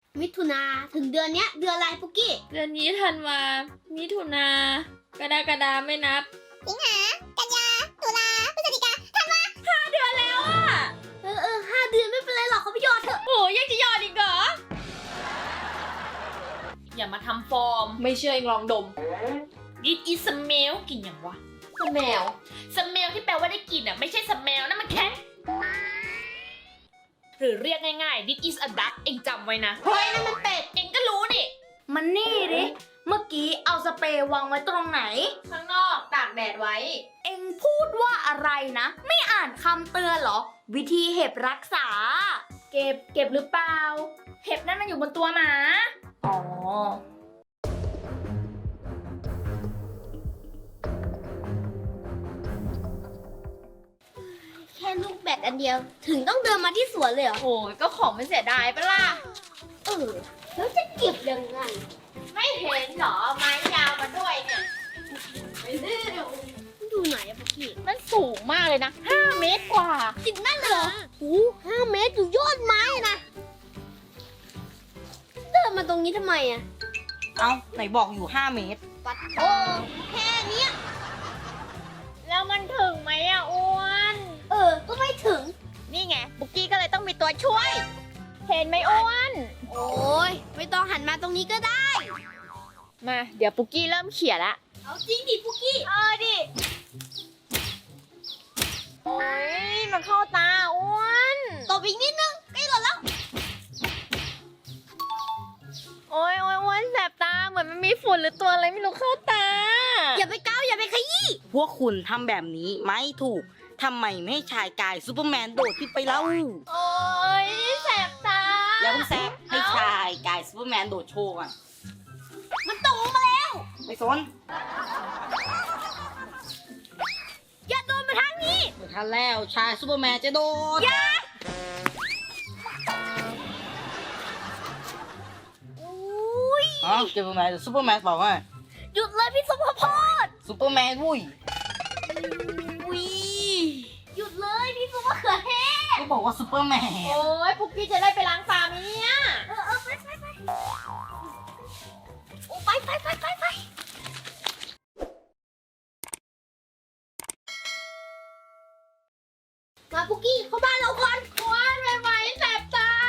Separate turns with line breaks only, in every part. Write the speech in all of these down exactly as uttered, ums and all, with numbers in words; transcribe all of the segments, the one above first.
มิถุนาถึงเดือนเนี้ยเดือนอะไรปุกกี้
เดือนนี้ธันวามิถุนากรกฎาไม่นับ
สิงหากันยาตุลาพฤศจิกาธันวา
ห้าเดือนแล้วอะ
เออเออห้าเดือนไม่เป็นไรหรอกเขาไปหยอดเถอะ
โอ้ยังจะหยอดอีกเหรออย่ามาทำฟอร์มไม่เชื่อเองลองดม This is smell กลิ่นอย่างวะ smell smell ที่แปลว่าได้กลิ่นอ่ะไม่ใช่ smell นั่นมันแค่หรือเรียกง่ายๆ This is a duck เองจำไว้นะเฮ้ยนั่นมันเป็ดเองก็รู้นี่
มันนี่ดิเมื่อกี้เอาสเปรย์วางไว้ตรงไหน
ข้างนอกตากแดดไว้
เอ็งพูดว่าอะไรนะไม่อ่านคำเตือนเหรอวิธีเห็บรักษาเก็บเก็บหรือเปล่าเห็บนั่นมันอยู่บนตัวหมาอ๋อ
แค่ลูกแบตอันเดียวถึงต้องเดินมาที่สวนเลยเหรอ
โอ้ยก็ของมันเสียดายปะล่ะ
เออแล้วจะเก็บยังไง
ไม่เห็นเหรอไม้ยาวมาด้วยเนี่ยไม่ได้
ดูไหนอะปุกกี้
มันสูงมากเลยนะห้าเมตรกว่า
จริงนั่นเหรอโอ้ห้าเมตรอยู่ยอดไม้นะเดินมาตรงนี้ทำไมอะ
เอ้าไหนบอกอยู่ห้าเมตร
ปัดโอ้แค่เนี้ย
แล้วมันถึงไหมอะอ้วน
เออก็ไม่ถึง
นี่ไงปุกกี้ก็เลยต้องมีตัวช่วยเห็นไหมอ้วน
โอ้ยไม่ต้องหันมาตรงนี้ก็ได้
มาเดี๋ยวปุกกี้เริ่มเขี่ยละ
เอาจริงดิปุกกี้
เออดิโอ้ยมันเข้าตาอ้วน
ตบอีกนิดนึงใกล้หล่นแล้ว
โอ้ยโอ้ยอ้วนแสบตาเหมือนมันมีฝุ่นหรือตัวอะไรไม่รู้เข้าตา
อย่าไปก้าวอย่าไปขยี้
พวกคุณทำแบบนี้ไม่ถูกทำไมไม่ให้ชายกายซูเปอร์แมนโดดขึ้นไปเล่า
โอ้ยแสบตา
อย่าเพิ่งแสบให้ชายกายซูเปอร์แมนโดดโชว์ก่อน
มันตกลงมาแล้ว
ไม่สน
อย่าโดนมาทางนี้
ไม่ทันแล้วชายซูเปอร์แมนจะโดด
อย่า
อ๋อเก็บตรงไหนซูเปอร์แมนบอกว่า
หยุดเลยพี่สมพร
ซูเปอร์แมนวุ้ย
วิหยุดเลยพี่ซุปเปอร์เขือเทศ
ก็บอกว่าซูเปอร์แมน
โอ้ยปุกกี้จะได้ไปล้างตาไหมเนี่ย
เออเออไปไปไปโอ้ไปไปไปไปไปมาปุกกี้เข้าบ้านเราก่อน
ว้ายไม่ไหวแสบตา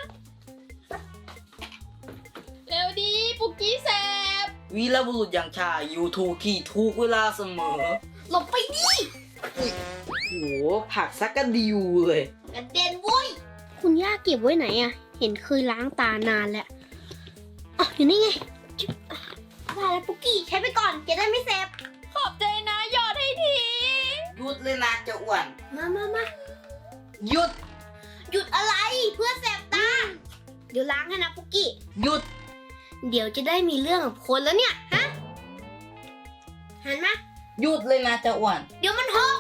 เร็วดีปุกกี้แสบ
วีรบุรุษอย่างชายอยู่ถูกที่ถูกเวลาเสมอ
หลบไปดิ
โอ้โหผักซักกระดิวเลย
กระเด็นวุ้ยคุณย่าเก็บไว้ไหนอะเห็นเคยล้างตานานแล้วอ๋ออยู่นี่ไงมาแล้วปุกกี้ใช้ไปก่อนจะได้ไม่เซฟ
ขอบใจนะหยอดให้ที
หยุดเลยนะเจ้าอ้วน
มามามา
หยุด
หยุดอะไรเพื่อเซฟตาเดี๋ยวล้างให้นะปุกกี้
หยุด
เดี๋ยวจะได้มีเรื่องกับคนแล้วเนี่ยฮะหันมา
หยุดเลยนะเจ้าอ้วน
เดี๋ยวมันหก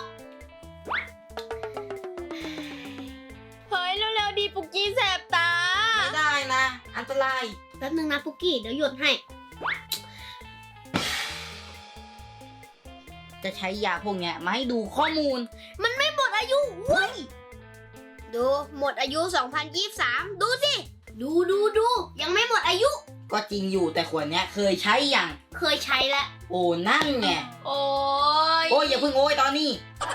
เฮ้ยเร็วๆดีปุกกี้แสบตา
ไม่ได้นะอันตราย
แป๊บนึงนะปุกกี้เดี๋ยวหยุดให้
จะใช้ยาพวกเนี้ยมาให้ดูข้อมูล
มันไม่หมดอายุเว้ยดูหมดอายุสองพันยี่สิบสามดูสิดูดูดูยังไม่หมดอายุ
ก็จริงอยู่แต่ขวดเนี้ยเคยใช้อย่าง
เคยใช้แล้ว
โอ้นั่นไง
โอ้ย
โอ้ยอย่าเพิ่งโอ้ยตอนนี้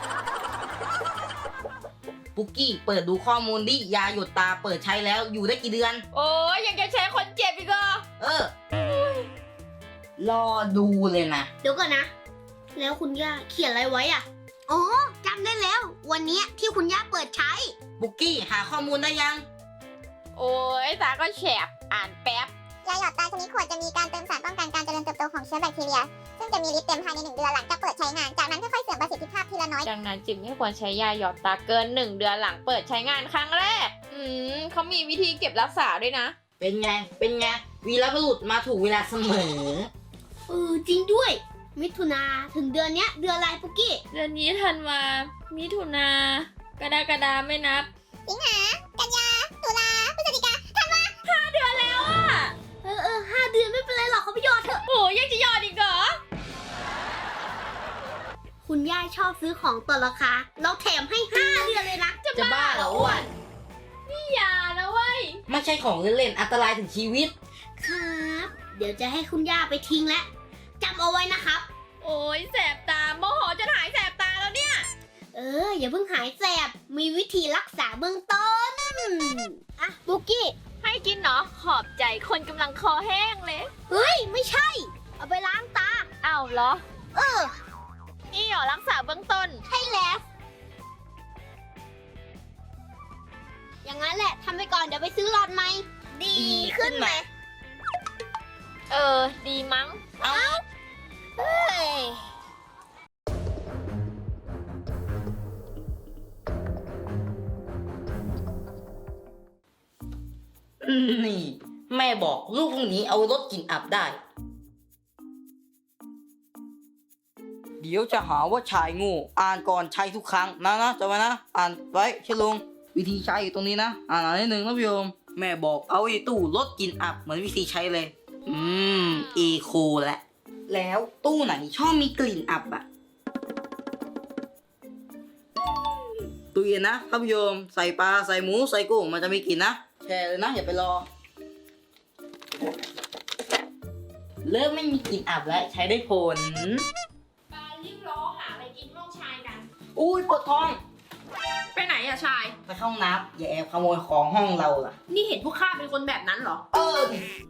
ปุกกี้เปิดดูข้อมูลดิยาหยดตาเปิดใช้แล้วอยู่ได้กี่เดือน
โอ้ยยังจะแชร์คนเจ็บอีกเหรอ
เออรอดูเลยนะ
เดี๋ยวก่อนนะแล้วคุณย่าเขียนอะไรไว้อ่ะอ๋อจำได้แล้ววันนี้ที่คุณย่าเปิดใช้
ปุกกี้หาข้อมูลได้ยัง
โอ้ยตาก็แฉบอ่านแป๊บ
ยาหยอดตาชนิดขวดจะมีการเติมสารป้องกันการเจริญเติบโตของเชื้อแบคทีเรียซึ่งจะมีฤทธิ์เต็มภายในหนึ่งเดือนหลังจากเปิดใช้งานจากนั้นค่อยๆเสื่อมประสิทธิภาพทีละน้อย
ดังนั้นจึงไม่ควรใช้ยาหยอดตาเกินหนึ่งเดือนหลังเปิดใช้งานครั้งแรกอืมเขามีวิธีเก็บรักษาด้วยนะ
เป็นไงเป็นไงวีรบุรุษมาถูกเวลาเสมอ
เออจริงด้วยมิถุนาถึงเดือนเนี้ยเดือนอะไรปุกกี้
เดือนนี้ธันวามิถุนากรกฎาไม่นับ
สิงหากันยาตุลาพฤศจิกาธันวา
ห้าเดือนแล้วอะ
เออเออห้าเดือนไม่เป็นไรหรอกเขาไปหยอดเถอะ
โอ้ยังจะหยอดอีกเหรอ
คุณย่าชอบซื้อของต่อราคาเราแถมให้ห้าเดือนเลยนะ
จะบ้าเหรออ้วน
นี่อย่านะเว้ย
ไม่ใช่ของเล่นๆอันตรายถึงชีวิต
ครับ เดี๋ยวจะให้คุณย่าไปทิ้งแล้วจำเอาไว้นะครับ
โอ้ยแสบตาโมโหจะหายแสบตาแล้วเนี่ย
เออ อย่าเพิ่งหายแสบ มีวิธีรักษาเบื้องต้น อ่ะบุกกี้
ให้กินเนาะขอบใจคนกำลังคอแห้งเลย
เฮ้ย ไม่ใช่ เอาไปล้างตา
อ้าวเหรอ
เออ
นี่เหรอรักษาเบื้องต้น
ใช่แล้ว อย่างนั้นแหละทำไปก่อนเดี๋ยวไปซื้อหลอดใหม่ ดีขึ้นไหม
เออ ดีมั้ง
เฮ้ย
นี่ แม่บอกลูกพวกนี้เอารถกลิ่นอับได้ เดี๋ยวจะหาว่าชายโงูอ่านก่อนใช้ทุกครั้งนะนะจำไว้นะ อ่านไว้เชื่อลงวิธีใช้อยู่ตรงนี้นะ อ่านอ่านนิดนึงนะพี่โยมแม่บอกเอาไอ้ตู้รถกลิ่นอับเหมือนวิธีใช้เลย อืมเอโคแหละ แล้วตู้ไหนชอบมีกลิ่นอับอะตู้เย็นนะท่านผู้ชมใส่ปลาใส่หมูใส่กุ้งมันจะมีกลิ่นนะแช่เลยนะอย่าไปรอ เริ่มไม่มีกลิ่นอับแล้วใช้ได้ผล
ปารีบร้อหาอะไรกินห้องชายกัน
อุ้ยปวดท้อง
ไปไหนอะชาย
ไปเข้าห้องน้ำอย่าแอบขโมยของห้องเราล่ะ
นี่เห็นพวกข้าเป็นคนแบบนั้นเหรอ
เออ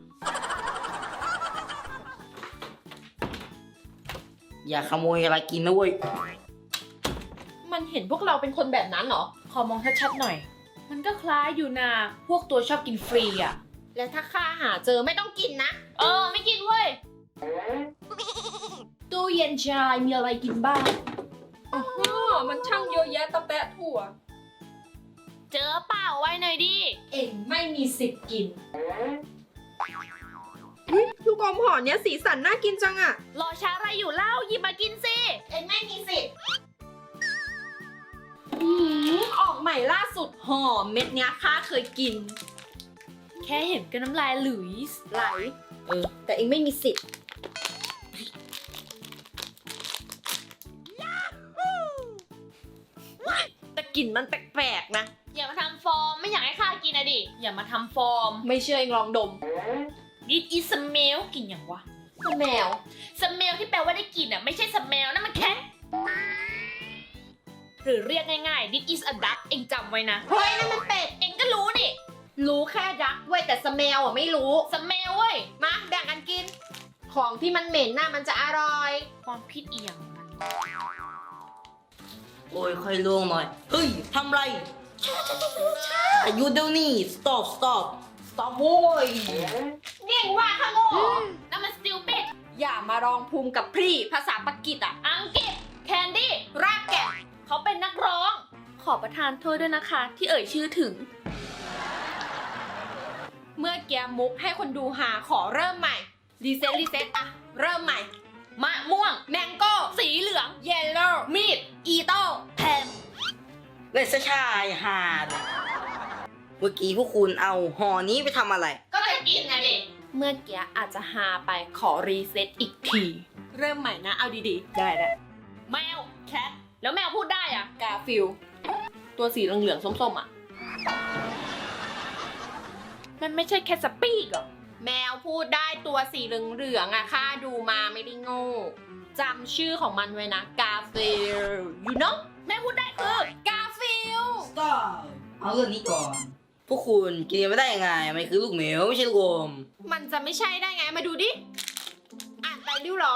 อย่าขโมยอะไรกินนะเว้ย
มันเห็นพวกเราเป็นคนแบบนั้นเหรอ ขอมองชัดๆหน่อย มันก็คล้ายอยู่นะ พวกตัวชอบกินฟรีอะแล้วถ้าข้าหาเจอไม่ต้องกินนะ เออ ไม่กินเว้ย ตู้เย็นชายมีอะไรกินบ้างอ๋อมันช่างเยอะแยะตะแปะถั่ว เจอเปล่าไว้หน่อยดิ เอ็งไม่มีสิทธิ์กิน
ลูกอมห่อเนี้ยสีสันน่ากินจังอะ
รอช้าอะไรอยู่เล่าหยิบมากินสิ
เอ็งไม่มีสิทธิ์
ออกใหม่ล่าสุดห่อเม็ดเนี้ยข้าเคยกิน
แค่เห็นก็น้ำลายหลุยส์
ไหล เออ แต่เองไม่มีสิทธิ์ แต่กลิ่นมันแปลกๆนะ
อย่ามาทำฟอร์มไม่อยากให้ข้ากินอะดิ อย่ามาทำฟอร์ม ไม่เชื่อเองลองดม This is smell กลิ่นอย่างวะ
แมว
smell ที่แปลว่าได้กลิ่นอะไม่ใช่ smell นั่นมันแค่หรือเรียกง่ายๆ This is a duck เองจำไว้นะ
เฮ้ยนั่นมันเป็ด
เองก็รู้นี่
รู้แค่ดักเว้ยแต่สเมลอ่ะไม่รู้
smell เว้ย
มาแบ่งกันกิน ของที่มันเหม็นน่ะมันจะอร่อย
ความคิดเอียงมัน
โอ้ยค่อยล่วงหน่อย เฮ้ยทำไรช้าช้าช้าช้าหยุดเดี๋ยวนี้ stop stop stop โว้ย
เก่งว่าข้างโง่
นั่นมัน stupid
อย่ามารองภูมิกับพรี่ภาษาปากีสอ่ะ
อังกฤษ candy
รากแกะ
เขาเป็นนักร้อง ขอประทานโทษด้วยนะคะ ที่เอ่ยชื่อถึง
เมื่อแกมุกให้คนดูหาขอเริ่มใหม่ รีเซ็ตรีเซ็ตอะเริ่มใหม่
มะม่วง
แมงโก้
สีเหลือง
เยลโล่
มีด
อีโต้
แพน
เลสชายหาดเมื่อกี้พวกคุณเอาห่อนี้ไปทำอะไร
ก็จะกินนะดิ
เมื่อกี้อาจจะหาไปขอรีเซ็ตอีกที เริ่มใหม่นะ เอาดีๆ ได้ได้
แมว แคท แล้วแมวพูดได้อะ
กาฟิล ตัวสีเหลืองๆส้มๆอ่ะ
มันไม่ใช่แค่สปีกเหรอ
แมวพูดได้ตัวสีเหลืองๆอ่ะข้าดูมาไม่ได้โง่จำชื่อของมันไว้นะ กาฟิล you know
แม่พูดได้คือก
าฟิล
stop เอาเรื่องนี้ก่อน พวกคุณกินไม่ได้ยังไงมันคือลูกเหมียวไม่ใช่ลูกอม
มันจะไม่ใช่ได้ไง มาดูดิ อ่านไปริ้วเหรอ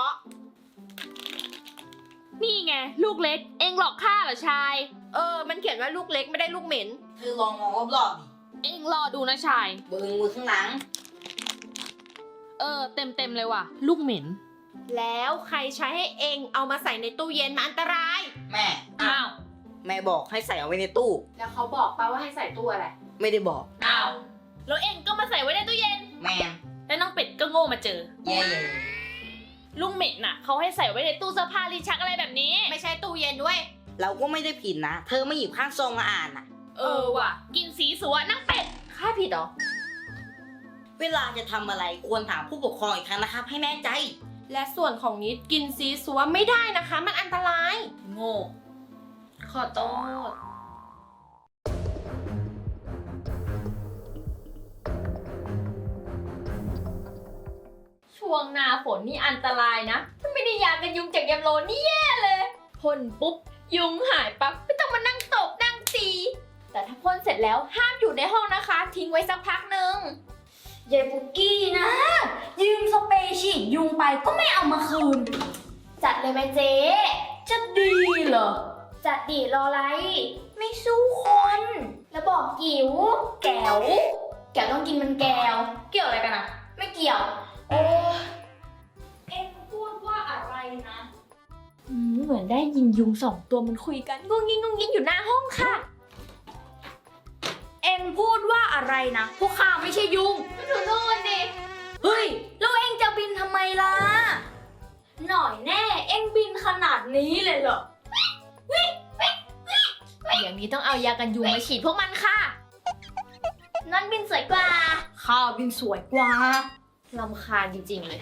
นี่ไง ลูกเล็ก เองหลอกข้าเหรอชาย
เออ มันเขียนว่าลูกเล็กไม่ได้ลูกเหม็น
เธอลองมองรอบๆดิ
เองรอดูนะชาย
เบิ้งมือข้างหลัง
เออ เต็มเต็มๆเลยว่ะ ลูกเหม็น
แล้วใครใช้ให้เองเอามาใส่ในตู้เย็นมันอันตราย
แม่
อ้าว
แม่บอกให้ใส่เอาไว้ในตู้
แล้วเขาบอกป่าว่าให้ใส่ตู้อะไร
ไม่ได้บอก
อ้าว แล้วเองก็มาใส่ไว้ในตู้เย็น
แม่
แล้วน้องเป็ดก็โง่มาเจอ
เย่
ลุงเหม็ดน่ะเขาให้ใส่ไว้ในตู้เสื้อผ้าลิ้นชักอะไรแบบนี้
ไม่ใช่ตู้เย็นด้วย
เราก็ไม่ได้ผิดนะ เธอไม่หยิบข้างซองมาอ่านอ่ะ
เออว่ะ กินสีสัวนั่งเป็ด
ค่าผิดเหรอ
เวลาจะทำอะไรควรถามผู้ปกครองอีกครั้งนะครับ ให้แน่ใจ
และส่วนของนิดกินซีซัวไม่ได้นะคะ มันอันตราย
โง่ ขอโทษ
วงหนาฝนนี่อันตรายนะ ถ้าไม่ได้ยากันยุงจากยามโลนี่แย่เลยพ่นปุ๊บยุงหายปั๊บไม่ต้องมานั่งตบนั่งตีแต่ถ้าพ่นเสร็จแล้วห้ามอยู่ในห้องนะคะ ทิ้งไว้สักพักหนึ่งยายปุกกี้นะ ยืมสเปรย์ฉีดยุงไปก็ไม่เอามาคืน จัดเลยไหมเจ๊จะดีเหรอ จัดดีรออะไร ไม่สู้คน แล้วบอกกิ๋วแก้วแก้วต้องกินมันแก้วเกี่ยวอะไรกันอะไม่เกี่ยวโอ้เอ็งพูดว่าอะไรนะอืมเหมือนได้ยินยุงสองตัวมันคุยกันงุ้งงิ้งงุ้งงิ้งอยู่หน้าห้องค่ะ เอ็งพูดว่าอะไรนะ พวกข้าไม่ใช่ยุงไม่ถูกโน่นดิเฮ้ยแล้วเอ็งจะบินทำไมล่ะหน่อยแน่เอ็งบินขนาดนี้เลยเหรอ
อย่างนี้ต้องเอายากันยุงมาฉีดพวกมันค่ะ
นั่นบินสวยกว่าข้าบินสวยกว่า
ลำคาญจริงๆเลย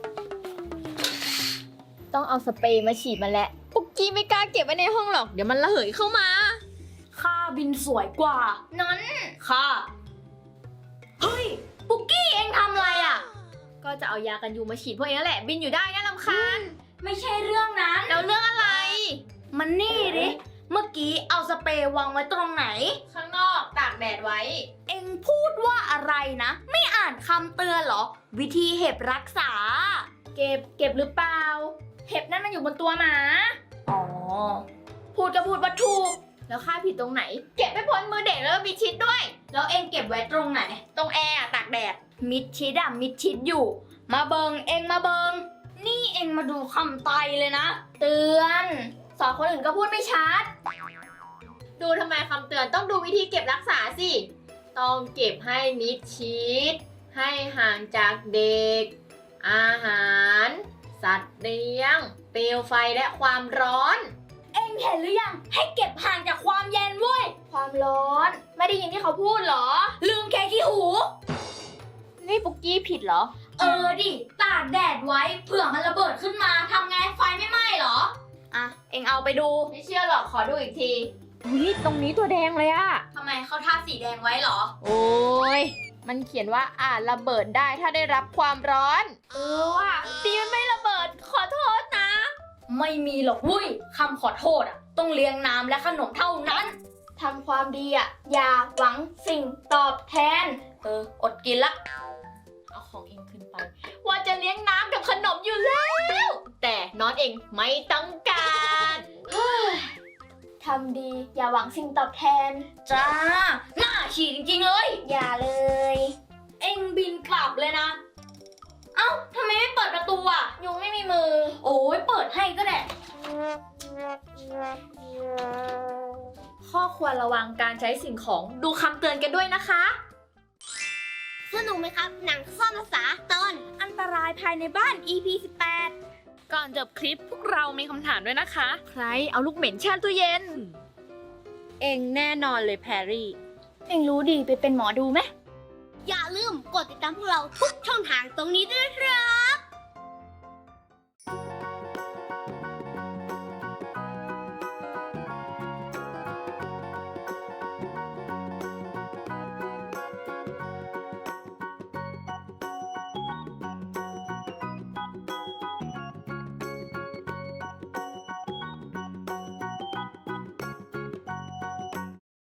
ต้องเอาสเปรย์มาฉีดมันแหละปุกกี้ไม่กล้าเก็บไว้ในห้องหรอก เดี๋ยวมันระเหยเข้ามา
ข้าบินสวยกว่า นั้นข้าเฮ้ย ปุกกี้เอ็งทำอะไรอ่ะ
ก็จะเอายากันยุงมาฉีดพวกนี้แหละ บินอยู่ได้นะลำคาญ
ไม่ใช่เรื่องนั้น
แล้วเรื่องอะไร
มันนี่ดิ เมื่อกี้เอาสเปรย์วางไว้ตรงไหน
ข้างนอกตากแดดไว้
เอ็งพูดว่าอะไรนะ ไม่อ่านคำเตือนเหรอ วิธีเห็บรักษา เก็บเก็บหรือเปล่า เห็บนั่นมันอยู่บนตัวหมา อ๋อ พูดก็พูดว่าถูก
แล้วค่าผิดตรงไหน เก็บไม่พ้นมือเด็กแล้วก็มีชิดด้วย
แล้วเอ็งเก็บไว้ตรงไหน
ตรงแอร์อะตากแดด
มิดชิดอะมิดชิดอยู่ มาเบิงเอ็งมาเบิง นี่เอ็งมาดูคำไตเลยนะ เตือน สอนคนอื่นก็พูดไม่ชัด
ดูทำไมคำเตือนต้องดูวิธีเก็บรักษาสิ ต้องเก็บให้มิดชิด ให้ห่างจากเด็ก อาหาร สัตว์เลี้ยง เปลวไฟและความร้อน
เอ็งเห็นหรือยัง ให้เก็บห่างจากความเย็นเว้ย ความร้อน ไม่ได้ยินที่เขาพูดเหรอ ลืมแค่ขี้หู
นี่ปุกกี้ผิดเหรอ
เออดิ ตากแดดไว้ เผื่อมันระเบิดขึ้นมาทำไง ไฟไม่ไหม้เหรอ อ่ะ เอ็งเอาไปดู
ไม่เชื่อหรอกขอดูอีกทีอุ้ยตรงนี้ตัวแดงเลยอะ
ทำไมเขาทาสีแดงไว้เหรอ
โอ้ย มันเขียนว่าอาจระเบิดได้ถ้าได้รับความร้อน
เออว่ะ
ตีมันไม่ระเบิด ขอโทษนะ
ไม่มีหรอกวุ้ยคำขอโทษอ่ะ ต้องเลี้ยงน้ำและขนมเท่านั้น ทำความดีอ่ะ อย่าหวังสิ่งตอบแทน เออ อดกินละ
เอาของเองขึ้นไป ว่าจะเลี้ยงน้ำกับขนมอยู่แล้ว แต่น้องเองไม่ต้องการ
ทำดีอย่าหวังสิ่งตอบแทน จ้า หน้าฉี่จริงๆเลย อย่าเลย เอ็งบินกลับเลยนะ เอ้าทำไมไม่เปิดประตูอ่ะ ยุงไม่มีมือ โอ้ยเปิดให้ก็ได้
ข้อควรระวังการใช้สิ่งของดูคำเตือนกันด้วยนะคะ
สนุกไหมครับ หนังซ่อนภาษาตอน
อันตรายภายในบ้าน อี พี สิบแปด
ก่อนจบคลิปพวกเรามีคำถามด้วยนะคะ ใครเอาลูกเหม็นแช่ตู้เย็น เองแน่นอนเลยแพรรี่
เอ็งรู้ดีไปเป็นหมอดูไหม
อย่าลืมกดติดตามพวกเราทุกช่องทางตรงนี้ด้วยนะครับ